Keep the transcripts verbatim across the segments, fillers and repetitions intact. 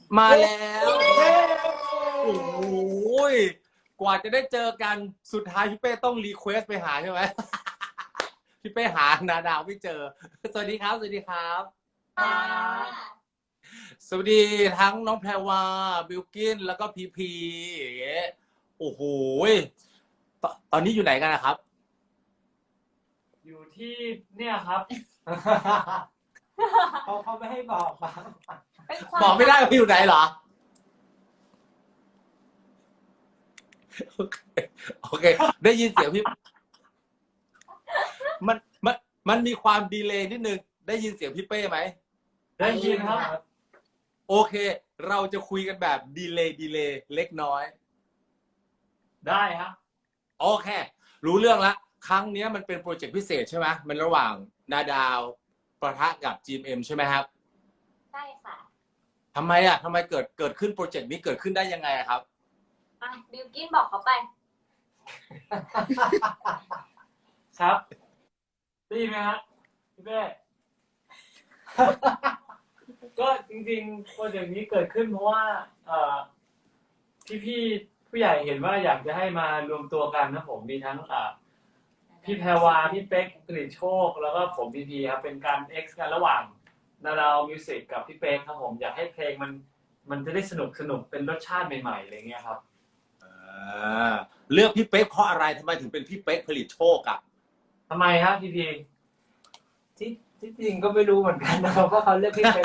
มาแล้วโอ้โหกว่าจะได้เจอกันสุดท้ายพี่เป้ต้องรีเควสไปหาใช่ไหม พี่เป้หานาดาวไม่เจอสวัสดีครับสวัสดีครับสวัสดีทั้งน้องแพรวาบิลกินแล้วก็พีพีอย่างเงี้ยโอ้โหตตอนนี้อยู่ไหนกันนะครับอยู่ที่เนี่ยครับ เขาเขาไม่ให้บอกมาบอกไม่ได้ว่าอยู่ไหนเหรอโอเคโอเค ได้ยินเสียงพี่มันมันมันมีความดีเลย์นิดนึงได้ยินเสียงพี่เป้ไหมได้ยินครับโอเค เราจะคุยกันแบบดีเลย์ดีเลย์เล็กน้อยได้ครับโอเค รู้เรื่องละครั้งนี้มันเป็นโปรเจกต์พิเศษใช่ไหมมันระหว่างนาดาวประทะกับ จี เอ็ม เอ็ม ใช่ไหมครับใช่ค่ะทำไมอ่ะทำไมเกิดเกิดขึ้นโปรเจกต์นี้เกิดขึ้นได้ยังไงครับอ่ะบิลกินบอกเขาไปครับได้ยินไหมฮะพี่เป้ ก็จริงๆโปรเจกต์นี้เกิดขึ้นเพราะว่าเอ่อพี่ๆผู้ใหญ่เห็นว่าอยากจะให้มารวมตัวกันนะผมมีทั้งอ่าพี่แพรวาพี่เป๊กกฤษโชคแล้วก็ผมพีพีครับเป็นการเอ็กซ์กันระหว่างนาดาวมิวสิกกับพี่เป๊กครับผมอยากให้เพลงมันมันจะได้สนุกสนุกเป็นรสชาติใหม่ๆอะไรเงี้ยครับอ่าเลือกพี่เป๊กเพราะอะไรทำไมถึงเป็นพี่เป๊กผลิตโชคอ่ะทำไมครับพีพีที่ที่จริงก็ไม่รู้เหมือนกันนะครับว่าเขาเลือกพี่เป๊ก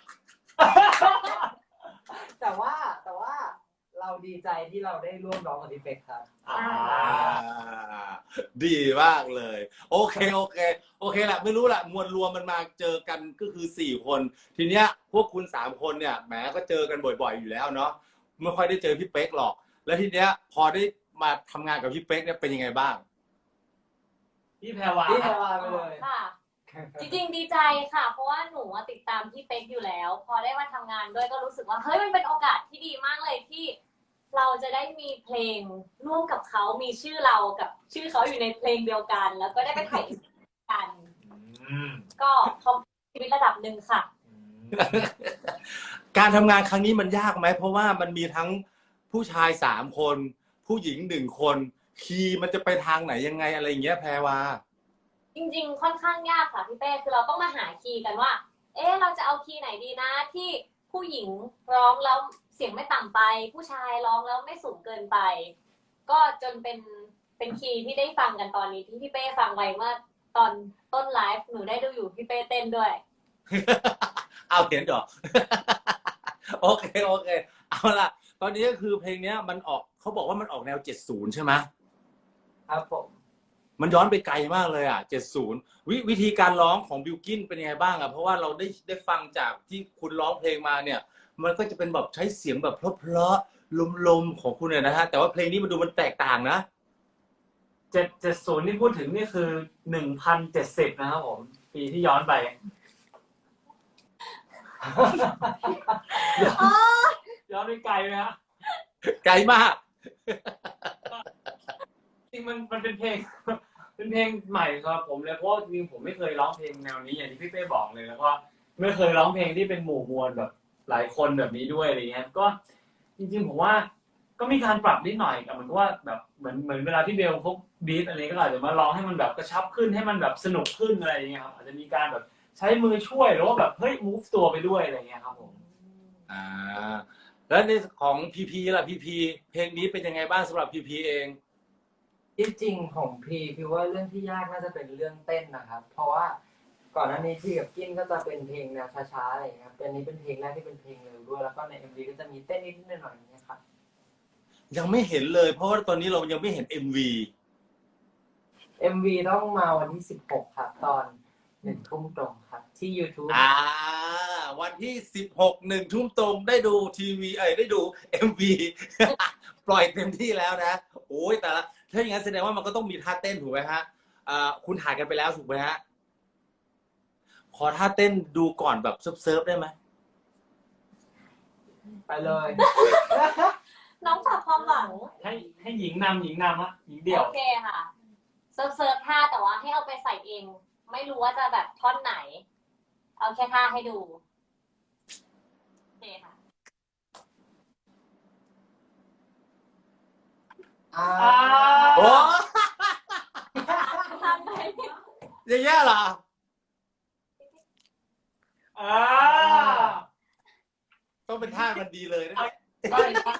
แต่ว่าแต่ว่าเราดีใจที่เราได้ร่วมร้องกับพี่เป๊กครับอ่าดีมากเลย โอเคโอเคโอเคแหละไม่รู้แหละมวลรวมมันมาเจอกันก็คือสี่คน ทีเนี้ยพวกคุณสามคนเนี่ยแหมก็เจอกันบ่อยๆอยู่แล้วเนาะไม่ค่อยได้เจอพี่เป๊กหรอก แล้วทีเนี้ยพอได้มาทำงานกับพี่เป๊กเนี่ยเป็นยังไงบ้างพี่แพรวาพี่แพรวาไปเลยค่ะ จริงๆดีใจค่ะ เพราะว่าหนูติดตามพี่เป๊กอยู่แล้ว พอได้มาทำงานด้วยก็รู้สึกว่าเฮ้ยมันเป็นโอกาสที่ดีมากเลยที่เราจะได้มีเพลงร่วมกับเขามีชื่อเรากับชื่อเขาอยู่ในเพลงเดียวกัน แล้วก็ได้ไปถ่ายกันก็เขาชีวิตระดับหนึ่งค่ะการทำงานครั้งนี้มันยากไหมเพราะว่ามันมีทั้งผู้ชายสามคน ผู้หญิงหนึ่งคนคีย์มันจะไปทางไหนยังไงอะไรอย่างเงี้ยแพรวาจริงๆค่อนข้างยากค่ะพี่เป้คือเราต้องมาหาคีย์กันว่าเอ๊ะเราจะเอาคีย์ไหนดีนะที่ผู้หญิงร้องแล้วเสียงไม่ต่ำไปผู้ชายร้องแล้วไม่สูงเกินไปก็จนเป็นเป็นคีย์ที่ได้ฟังกันตอนนี้ที่พี่เป้ฟังไว้เมื่อตอนต้นไลฟ์หนูได้ดูอยู่พี่เป้เต้นด้วยเอาเขียนจอ โอเคโอเคเอาล่ะตอนนี้ก็คือเพลงนี้มันออกเขาบอกว่ามันออกแนวเจ็ดสิบใช่ไหมครับผมมันย้อนไปไกลมากเลยอ่ะเจ็ดสิบวิวิธีการร้องของบิลกินเป็นยังไงบ้างอ่ะเพราะว่าเราได้ได้ฟังจากที่คุณร้องเพลงมาเนี่ยมันก็จะเป็นแบบใช้เสียงแบบเพลาะๆลมๆของคุณเนี่ยนะฮะแต่ว่าเพลงนี้มันดูมันแตกต่างนะเจ็ดเจ็ดศูนย์ที่พูดถึงนี่คือหนึ่งพันเจ็ดสิบนะครับผมปีที่ย้อนไปย้อนไปไกลไหมฮะไกลมากจริงมันมันเป็นเพลงเป็นเพลงใหม่ครับผมเลยเพราะจริงผมไม่เคยร้องเพลงแนวนี้อย่างที่พี่เป้บอกเลยแล้วก็ไม่เคยร้องเพลงที่เป็นหมู่มวลแบบหลายคนแบบนี้ด้วยอะไรเงี้ยก็จริงๆผมว่าก็มีการปรับนิดหน่อยกับมันก็ว่าแบบเหมือนเหมือนเวลาที่เบลพวกบีทอะไรก็อาจจะมาร้องให้มันแบบกระชับขึ้นให้มันแบบสนุกขึ้นอะไรอย่างเงี้ยครับอาจจะมีการแบบใช้มือช่วยหรือว่าแบบเฮ้ย move ตัวไปด้วยอะไรเงี้ยครับผมอ่าแล้วในของพีพีล่ะพีพีเพลงนี้เป็นยังไงบ้างสำหรับพีพีเองที่จริงของพีคือว่าเรื่องที่ยากน่าจะเป็นเรื่องเต้นนะครับเพราะว่าก่อนหน้านี้พี่กับกินก็จะเป็นเพลงแนวช้าๆอะไรอย่างเงี้ยครับเป็นนี้เป็นเพลงแรกที่เป็นเพลงเร็วด้วยแล้วก็ใน เอ็ม วี ก็จะมีเต้นนิดๆหน่อยๆอย่างเงี้ยครับยังไม่เห็นเลยเพราะว่าตอนนี้เรายังไม่เห็น เอ็ม วีเอ็ม วี ต้องมาวันที่สิบหกครับตอนหนึ่งทุ่มตรงครับที่ YouTube อ่าวันที่สิบหกหนึ่งทุ่มตรงได้ดูทีวีเอ้ยได้ดู เอ็ม วี ปล่อยเต็มที่แล้วนะโอ้ยแต่ละถ้าอย่างนั้นแสดงว่ามันก็ต้องมีท่าเต้นถูกไหมฮะอ่าคุณถ่ายกันไปแล้วถูกไหมฮะขอท่าเต้นดูก่อนแบบเซิร์ฟๆได้ไหมไปเลยน้องฝากความหวังให้ให้หญิงนำหญิงนำฮะหญิงเดี่ยวโอเคค่ะเซิร์ฟเซิร์ฟท่าแต่ว่าให้เอาไปใส่เองไม่รู้ว่าจะแบบท่อนไหนเอาแค่ท่าให้ดูโอเคค่ะอ่าโอ้ทำไปอย่างเงี้ยเหรออ่าต้องเป็นท่ามันดีเลยนะใช่ครับ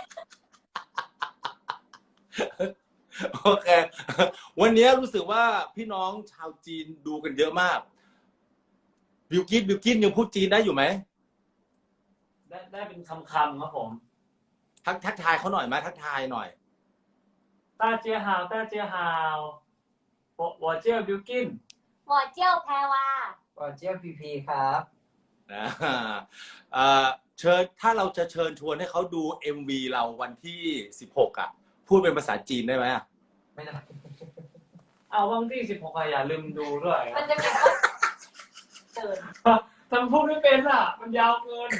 โอเค วันนี้รู้สึกว่าพี่น้องชาวจีนดูกันเยอะมากบิวกินบิวกินยังพูดจีนได้อยู่ไหมได้ได้เป็นคำคำครับผมทักทักทายเขาหน่อยไหมทักทายหน่อยต้าเจียฮาวต้าเจียฮาว我我叫บิวกินหมอเจี้ยวแพรวาก่อนเจียวพีพีครับนะเอ่อเชิญถ้าเราจะเชิญชวนให้เขาดู เอ็ม วี เราวันที่สิบหกอ่ะ พูดเป็นภาษาจีนได้ไหมอ่ะไม่ได้เอาวันที่สิบหกอย่าลืมดูด้วยมันจะมีคนเกินทำพูดไม่เป็นอ่ะ มันยาวเกิน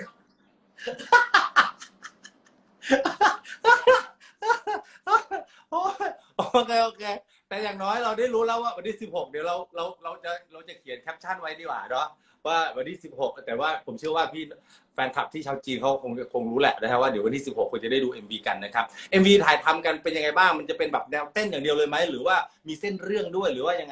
โอ้ยโอเคโอเค แต่อย่างน้อยเราได้รู้แล้วว่าวันที่สิบหกเดี๋ยวเราเราเราจะเราจะเขียนแคปชั่นไว้ดีกว่าเนาะว่าวันที่สิบหกแต่ว่าผมเชื่อว่าพี่แฟนคลับที่ชาวจีนเขาคงคงรู้แหละนะครับว่าเดี๋ยววันที่สิบหกคุณจะได้ดู เอ็ม วี กันนะครับ เอ็ม วี ถ่ายทำกันเป็นยังไงบ้างมันจะเป็นแบบแนวเต้นอย่างเดียวเลยไหมหรือว่ามีเส้นเรื่องด้วยหรือว่ายังไง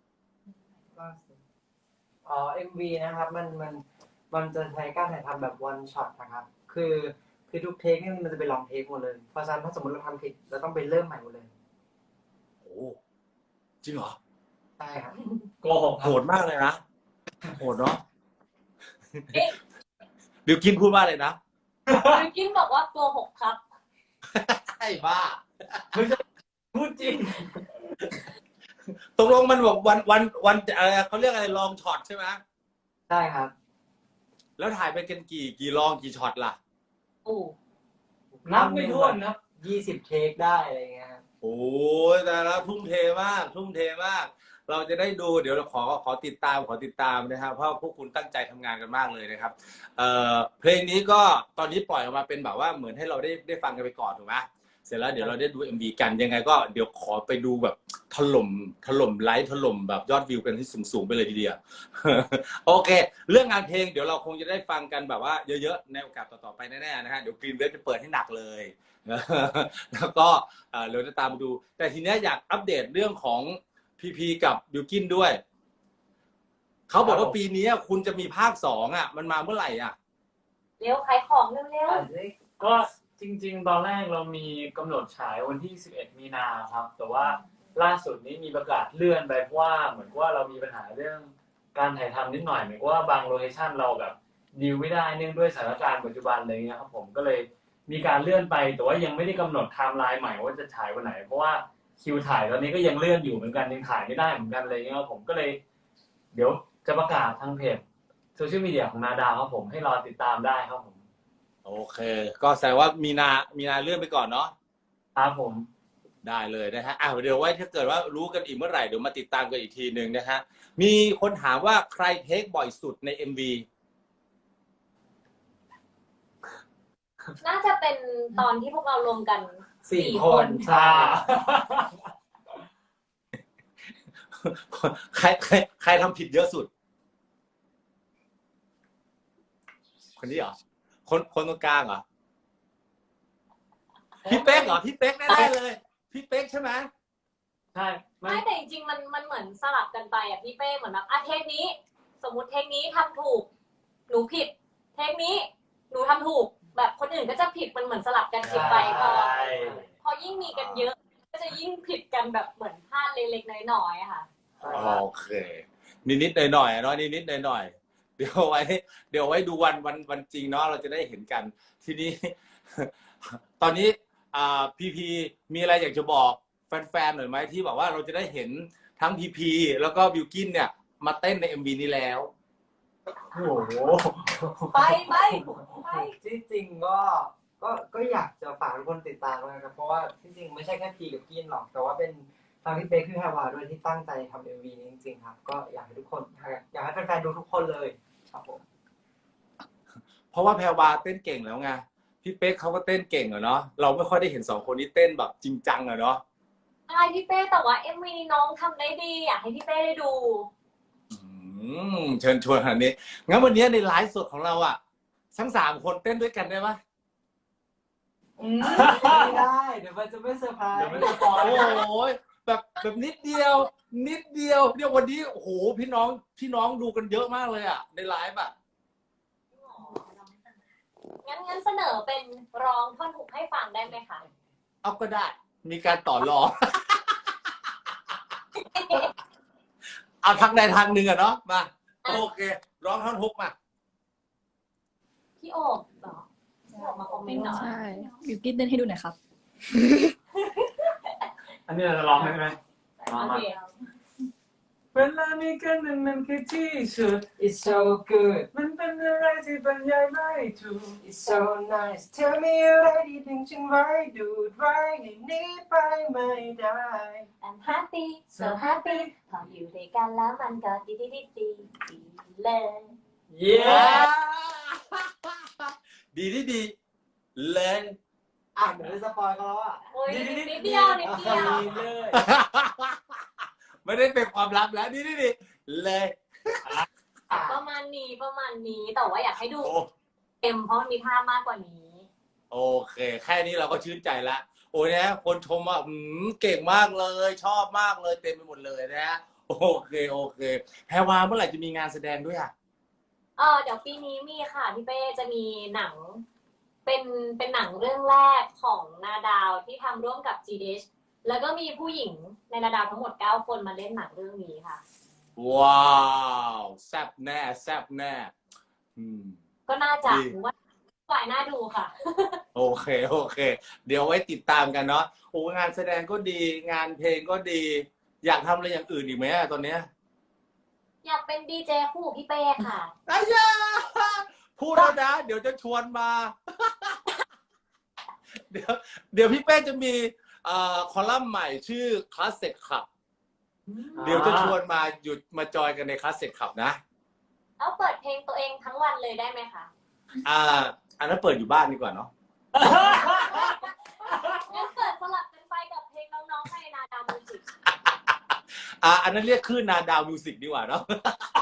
อ๋อ เอ็ม วี นะครับมันมันมันจะใช้การถ่ายทำแบบ one shot นะครับ คือคือทุกเทคนี่มันจะเป็นลองเทคหมดเลย เพราะฉะนั้นถ้าสมมติเราทำผิดเราต้องไปเริ่มใหม่หมดเลยโอ้จริงเหรอใช่ครับโกหกโหดมากเลยนะโหดเนาะบิวกินพูดว่าอะไรนะบิวกินบอกว่าโกหกครับไอ้บ้าพูดจริงตกลงมันบอกวันวันวันอะไรเขาเรียกอะไรลองช็อตใช่ไหมใช่ครับแล้วถ่ายไปกันกี่กี่ลองกี่ช็อตล่ะโอ้นับไม่ถ้วนนะยี่สิบเทคได้อะไรเงี้ยครับโอ้ยแต่ละทุ่มเทมาก ทุ่มเทมาก เราจะได้ดูเดี๋ยวเราขอขอติดตามขอติดตามนะครับเพราะพวกคุณตั้งใจทำงานกันมากเลยนะครับเอ่อเพลงนี้ก็ตอนนี้ปล่อยออกมาเป็นแบบว่าเหมือนให้เราได้ได้ฟังกันไปก่อนถูกไหมเสร็จแล้วเดี๋ยวเราได้ดู เอ็ม วี กันยังไงก็เดี๋ยวขอไปดูแบบถล่มถล่มไลค์ถล่มแบบยอดวิวกันที่สูงๆไปเลยทีเดียว โอเค เรื่องงานเพลงเดี๋ยวเราคงจะได้ฟังกันแบบว่าเยอะๆในโอกาสต่อๆไปแน่ๆนะฮะเดี๋ยวกรีนเวฟจะเปิดให้หนักเลย แล้วก็เอ่อเราจะตามมาดู แต่ทีเนี้ยอยากอัปเดตเรื่องของพีพีกับบิวกินด้วย เขาบอกว่าปีนี้คุณจะมีภาคสองอ่ะ มันมาเมื่อไหร่อ่ะเร็วขายของเร็วก็จริงๆ ตอนแรกเรามีกำหนดฉายวันที่สิบเอ็ดมีนาครับ แต่ว่าล่าสุดนี้มีประกาศเลื่อนไปเพราะว่าเหมือนว่าเรามีปัญหาเรื่องการถ่ายทำนิดหน่อยเหมือนว่าบางโลเคชั่นเราแบบดีลไม่ได้เนื่องด้วยสถานการณ์ปัจจุบันอะไรเงี้ยครับผมก็เลยมีการเลื่อนไปแต่ว่ายังไม่ได้กำหนดไทม์ไลน์ใหม่ว่าจะฉายวันไหน เพราะว่าคิวถ่ายตอนนี้ก็ยังเลื่อนอยู่เหมือนกันยังถ่ายไม่ได้เหมือนกันอะไรเงี้ยครับผมก็เลย เดี๋ยวจะประกาศทางเพจโซเชียลมีเดียของนาดาวครับผมให้รอติดตามได้ครับผมโอเค ก็แสดงว่ามีนา มีนาเลื่อนไปก่อนเนาะครับผมได้เลยนะฮะอ้าวเดี๋ยวไว้ถ้าเกิดว่ารู้กันอีกเมื่อไหร่เดี๋ยวมาติดตามกันอีกทีหนึ่งนะฮะ มีคนถามว่าใครเทคบ่อยสุดใน เอ็ม วีๆ น่าจะเป็นตอนที่พวกเรารวมกันสี่สี่คคน นใช่ใครใครใครทำผิดเยอะสุด คนนี้เหรอ คนคนตรงกลางเหรอ พี่เป๊กเหรอ พี่เป๊กแน่ๆเลย พี่เป๊กใช่ไหมใช่ไม่ไม่แต่จริงๆมันมันเหมือนสลับกันไปอ่ะพี่เป้เหมือนแบบอ่ะเทคนี้ สมมติเทคนี้ทำถูก หนูผิด เทคนี้ หนูทำถูก แบบคนอื่นก็จะผิดมันเหมือนสลับกันผิดไปพอใช่พอยิ่งมีกันเยอะ ก็จะยิ่งผิดกันแบบเหมือนพลาดเล็กๆน้อยๆอะค่ะโอเค นิดๆหน่อยๆเนาะนิดๆหน่อยๆเดี๋ยวไว้ เดี๋ยวไว้ดูวันวันวันจริงเนาะเราจะได้เห็นกัน ทีนี้ ตอนนี้อ่าพีพีมีอะไรอยากจะบอกแฟนๆหน่อยไหมที่บอกว่าเราจะได้เห็นทั้งพีพีแล้วก็บิวกินเนี่ยมาเต้นใน เอ็ม วี นี้แล้วโอ้โหไปไปไปที่จริงก็ก็ก็อยากจะฝากทุกคนติดตามนะครับเพราะว่าที่จริงไม่ใช่แค่พีกับกินหรอก แต่ว่าเป็นทางพี่เป๊กพี่แพรวาด้วยที่ตั้งใจทำเอ็มวีนี้จริงๆครับ ก็อยากให้ทุกคนอยากให้แฟนๆดูทุกคนเลยครับผมเพราะว่าแพรวาเต้นเก่งแล้วไงพี่เป๊กเขาก็เต้นเก่งอะเนาะเราไม่ค่อยได้เห็นสองคนนี้เต้นแบบจริงจังอะเนาะใช่พี่เป้แต่ว่าเอ็มวีน้องทำได้ดีอยากให้พี่เป้ได้ดูอืมเชิญชวนขนาดนี้งั้นวันนี้ในไลฟ์สดของเราอะทั้งสามคนเต้นด้วยกันได้ไหมอืมไม่ได้ เดี๋ยวมันจะไม่เซอร์ไพรเดี๋ยวส์มันจะปล่อยโอ้ยแบบแบบนิดเดียว นิดเดียวเนี่ยวันนี้โอ้โหพี่น้องพี่น้องดูกันเยอะมากเลยอ่ะในไลฟ์อ่ะงั้นงั้นเสนอเป็นร้องท่อนฮุกให้ฟังได้ไหมคะเอาก็ได้ มีการต่อรอง เอาทางใดทางหนึ่งอะเนาะมาโอเค ร้องท่อนฮุกมาพี่โอบเหรอพี่โอบมาคอมเมนต์หน่อยใช่บิวกิ้นเต้นให้ดูหน่อยครับอันนี้เราจะร้องไหมไหมร้องโอมาเคเวลามีกันนั้นมันคือที่สุด It's so good มันเป็นอะไรที่บรรยายไม่ถูก It's so nice Tell me อะไรที่ถึงฉันไว้ดูดไว้ให้หนี้ไปไม่ได้ I'm happy so happy พออยู่ด้วยกันแล้วมันก็ดีดีดีดีดีเลยเย้ดีดีดีเลยอ่ะเดี๋ยวจะสปอยเขาแล้วอ่ะโอ้ยนิดเดียวนิดเดียวดีเลยไม่ได้เป็นความลับแล้วดีดีดีเลยประมาณนี้ประมาณนี้แต่ว่าอยากให้ดูโอ้เต็มเพราะมันมีภาพมากกว่านี้โอเค แค่นี้เราก็ชื่นใจละโอ้ยนะคนชมว่าอืมเก่งมากเลย ชอบมากเลยเต็มไปหมดเลยนะโอเคโอเคแพรวาเมื่อไหร่จะมีงานแสดงด้วยอ่ะเออเดี๋ยวปีนี้มีค่ะพี่เป้จะมีหนัง เป็นเป็นหนังเรื่องแรกของนาดาวที่ทำร่วมกับ จี ดี เอช แล้วก็มีผู้หญิงในนาดาวทั้งหมดเก้าคนมาเล่นหนังเรื่องนี้ค่ะว้าวแซ่บแน่แซ่บแน่อืมก็น่าจะดีหรือว่าฝ่ายน่าดูค่ะโอเคโอเค เดี๋ยวไว้ติดตามกันเนาะโอ้งานแสดงก็ดี งานเพลงก็ดี อยากทำอะไรอย่างอื่นอีกไหมอะตอนเนี้ยอยากเป็นดีเจคู่กับพี่เป้ค่ะอายาพูดแล้วนะ เดี๋ยวจะชวนมา เดี๋ยวเดี๋ยวพี่เป้จะมีเอ่อคอลัมน์ใหม่ชื่อ Classic Club เดี๋ยวจะชวนมาหยุดมาจอยกันใน Classic Club นะเอาเปิดเพลงตัวเองทั้งวันเลยได้ไหมคะอ่า อันนั้นเปิดอยู่บ้านดีกว่าเนาะงั้นเปิดสลับกันไปกับเพลงน้องๆในนาดาวมิวสิกอ่า อันนั้นเรียกคลื่นนาดาวมิวสิกดีกว่าเนาะ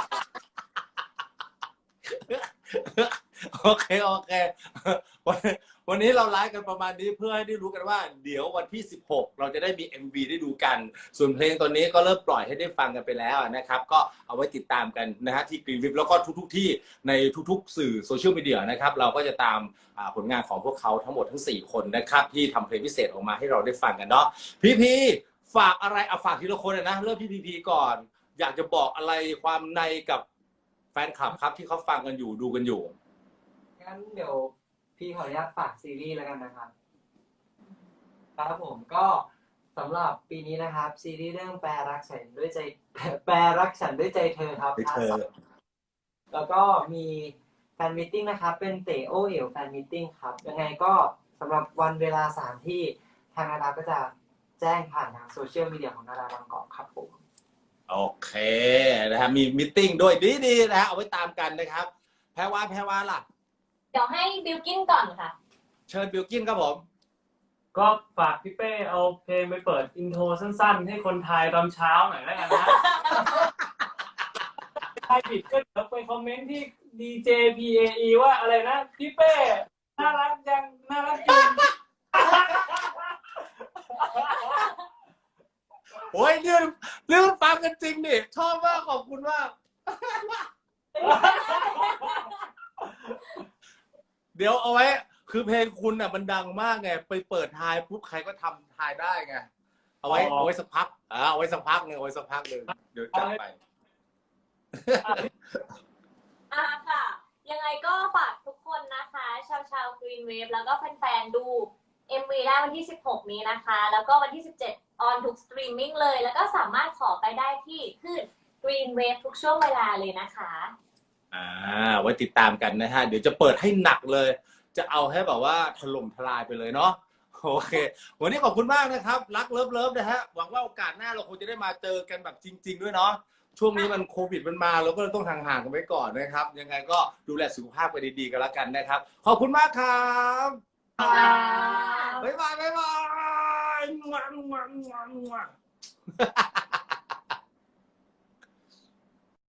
โอเคโอเควันวันนี้เราไลฟ์กันประมาณนี้เพื่อให้ได้รู้กันว่า เดี๋ยววันที่สิบหกเราจะได้มี เอ็ม วี ได้ดูกัน ส่วนเพลงตอนนี้ก็เริ่มปล่อยให้ได้ฟังกันไปแล้วนะครับ ก็เอาไว้ติดตามกันนะฮะที่กรีนวิปแล้วก็ทุกๆที่ในทุกๆสื่อโซเชียลมีเดียนะครับ เราก็จะตามอ่าผลงานของพวกเขาทั้งหมดทั้งสี่คนนะครับ ที่ทำเพลงพิเศษออกมาให้เราได้ฟังกันเนาะพี่พีฝากอะไรเอาฝากทีละคนเลยนะเริ่มที่พีพีก่อน อยากจะบอกอะไรความในกับแฟนคลับครับที่เขาฟังกันอยู่ดูกันอยู่งั้นเดี๋ยวพี่ขออนุญาตฝากซีรีส์แล้วกันนะครับครับผมก็สำหรับปีนี้นะครับ ซีรีส์เรื่องแปรรักฉันด้วยใจแปรรักฉันด้วยใจเธอครับด้วยเธอแล้วก็มีแฟนมิทติ้งนะครับ เป็นเต๋อโอเอ๋วแฟนมิทติ้งครับ ยังไงก็สำหรับวันเวลาสถานที่ทางนาดาก็จะแจ้งผ่านทางโซเชียลมีเดียของนาดาบางกอกครับผมโอเคนะฮะมีมิทติ้งด้วยดีๆนะฮะเอาไว้ตามกันนะครับ แพรวาแพรวาล่ะเดี๋ยวให้บิลกินก่อนค่ะเชิญบิลกินครับผมก็ฝากพี่เป้เอาเพลงไปเปิดอินโทรสั้นๆ ให้คนไทยตอนเช้าหน่อยแล้วกันนะ ใครผิดก็เดี๋ยวไปคอมเมนต์ที่ ดี เจ พี เอ อี ว่าอะไรนะ พี่เป้น่ารักจังน่ารักจริงโอ้ยเรื่องเรื่องฟังกันจริงดิชอบมากขอบคุณมาก เดี๋ยวเอาไว้ คือเพลงคุณน่ะมันดังมากไงไปเปิดทายปุ๊บใครก็ทำทายได้ไงเอาไว้อ๋อเอาไว้สักพักอ่าเอาไว้สักพักหนึงเอาไว้สักพักหนึงเดี๋ยวจัดไปอ่าค่ะ ยังไงก็ฝากทุกคนนะคะ ชาวชาวกรีนเวฟแล้วก็แฟนๆดู เอ็ม วี ได้วันที่สิบหกนี้นะคะ แล้วก็วันที่สิบเจ็ดออนทุกสตรีมมิ่งเลย แล้วก็สามารถขอไปได้ที่คลื่น Green Wave ทุกช่วงเวลาเลยนะคะอ่าไว้ติดตามกันนะฮะเดี๋ยวจะเปิดให้หนักเลย จะเอาให้แบบว่าถล่มทลายไปเลยเนาะโอเค วันนี้ขอบคุณมากนะครับรักเลิฟเลิฟนะฮะหวังว่าโอกาสหน้าเราคงจะได้มาเจอกันแบบจริง ๆ ด้วยเนาะช่วงนี้มันโควิดมันมาเราก็เลยต้องห่างๆกันไว้ก่อนนะครับ ยังไงก็ดูแลสุขภาพกันดีๆกันแล้วกันนะครับขอบคุณมากครับบ๊ายบายบ๊ายบายงวงงวงงวง